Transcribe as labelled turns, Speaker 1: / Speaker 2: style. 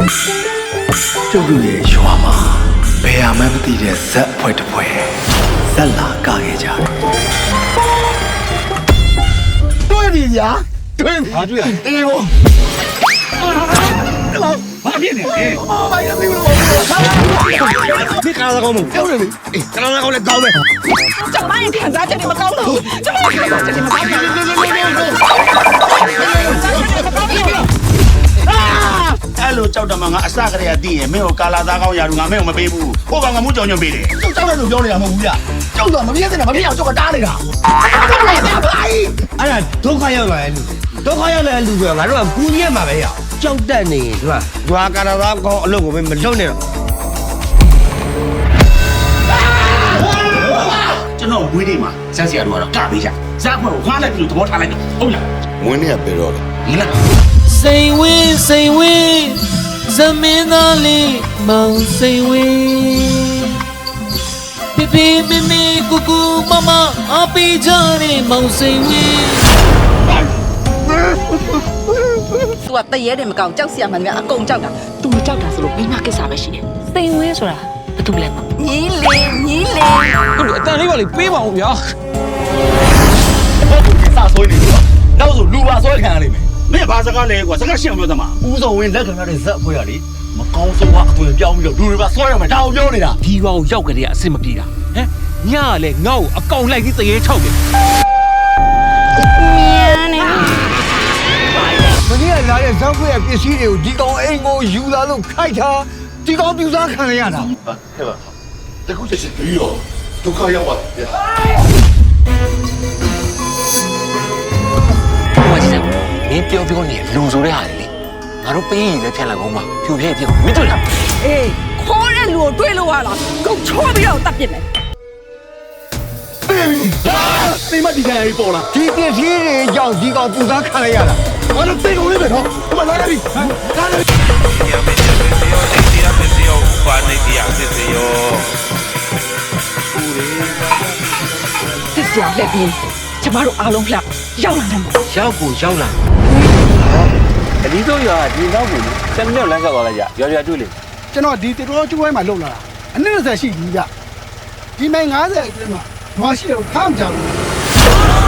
Speaker 1: ကျုပ်တို့ရဲ့ရွာမှာဘယ်မှမသိတဲ့ဇက်အဖွဲ့တစ်ဖွဲ့ဇက်လာကခဲ့ကြတယ်တွေ့ပြီညာတွေ့ပြီတွေ့ရအေးဘောဘာဖြစ်နေလဲဘာရသေးလို့ဒီကားကောင်းမပြောနေလေအေးကားကောင်းလည်းကောင်းမယ်
Speaker 2: ကျမရဲ့ခံစားချက်တွေမကောင်းတော့ကျမရဲ့ခံစားချက်တွေမကောင်းဘူး
Speaker 3: အဲ့လိုကြောက်တယ်မှာငါအစကတည်းကသိရင်မင်းကိုကာလာသားကောင်းရာလူငါမင်းကိုမပေးဘူးဟိုကောင်ကမှုကြောင်ညွန့်ပေးတယ်
Speaker 1: ကျုပ်ကြောက်တယ်လို့ပြောနေတာမဟုတ်ဘူးဗျကျုပ်တော့မပြည့်စင်တာမပြည့်အောင်ကျုပ်ကတားနေတာ
Speaker 4: အဲ့ဒါဒုက္ခရောက်လာတဲ့လူဒုက္ခရောက်လာတဲ့လူကငါတို့ကကူညီရမှာပဲရကြောက်တတ်နေဒီမှာဒွာကာရာသားကောင်းအလုပ်ကိုမလုပ်နဲ့တော့
Speaker 3: ကျွန်တော်ဝေးနေမှာဇက်စီကတော့ကပေးကြဇက်ဖွဲ့ကိုငါလည်းပြီးသဘောထားလိုက်တယ်ဟုတ်လား
Speaker 5: ဝင်းနေကပြေတော့လေ
Speaker 3: ဒီလား
Speaker 6: စိန်ဝင်းဇမင်းသားလေးမောင်စိန်ဝင်းပြပြမမကူကူမမအပီကြတဲ့မောင်စိန်ဝင်း
Speaker 2: သူကတရေတယ်မကောင်းကြောက်စရာမှန်များအကုန်ကြောက်တာသူမကြောက်တာဆိုလို့မိမကိစ္စပဲရှိတယ်
Speaker 6: စိန်ဝင်းဆိုတာဘာတူလဲ
Speaker 2: ညီးလေ
Speaker 6: ဟုတ်တယ်အတန်လေးပါလေပေးပါဦးဗျာ
Speaker 1: ဟုတ်ကဲ့စဆွေးနေလို့နောက်ဆိုလူပါဆွဲခံရလိမ့်မယ်
Speaker 3: မင်းဘာစကားလဲကွာစကားရှင်းအောင်ပြောသမား
Speaker 1: ဦးစောဝင်းလက်ခံရတဲ့ဇက်အဖွဲ့ကလေမကောင်းဆုံးကအသွင်ပြောင်းပြီးတော့လူတွေပါဆွဲရမယ်ဒါအောင်ပြောနေတာ
Speaker 6: ဒီကောင်ရောက်ကြတဲ့အဆင်မပြေတာဟမ်ညကလည်းငါ့ကိုအကောင်လိုက်ပြီးတရေထောက်တယ်
Speaker 4: မင်းကလာတဲ့ဇောက်ခွေရဲ့ပစ္စည်းတွေကိုဒီကောင်အိမ်ကိုယူလာလို့ခိုက်တာဒီကောင်ပြူစားခံရတာ
Speaker 5: ဟဲ့ပါတခုချက်ချင်းပြီးတော့ဒုက္ခရောက်ပါဗျာ
Speaker 6: ဟိုကစံမင်းပြောနေလူဆိုတဲ့ဟာလေငါတို့ပေးရည်လည်းဖြတ်လိုက်အောင်ပါဖြူဖြည့်ပြမင်းတွေ့လား
Speaker 2: အေးခေါ်တဲ့လူကိုတွေးလို့ရလားကုန်ချောပြီးတော့တတ်ပြစ်မယ်
Speaker 1: သိမဒီကနေ့ပေါ်လာ
Speaker 4: ဒီပစ္စည်းတွေကြောင့်ဒီကောင်ပြူစားခံရတာ
Speaker 1: ဘာလို့သိကုန်လေးပဲနော်ဟိုမှာလာပြီလာပြီ
Speaker 2: စစ်စရာလက်ပြီးကျမတို့အားလုံးလှရောက်လာတယ်
Speaker 6: ရောက်လာ
Speaker 7: အဒီတော့ရဒီနောက်ကို7မိနစ်လမ်းလျှောက်သွားလိုက်ကြရွာတွေ့လေ
Speaker 1: ကျွန်တော်ဒီတေတော်ကျွေးမှာလုံလာတာအနည်း20ရှိပြီဗျဒီမိုင်90အတွင်းမှာဘာရှိတော့ခမ်းကြဘူး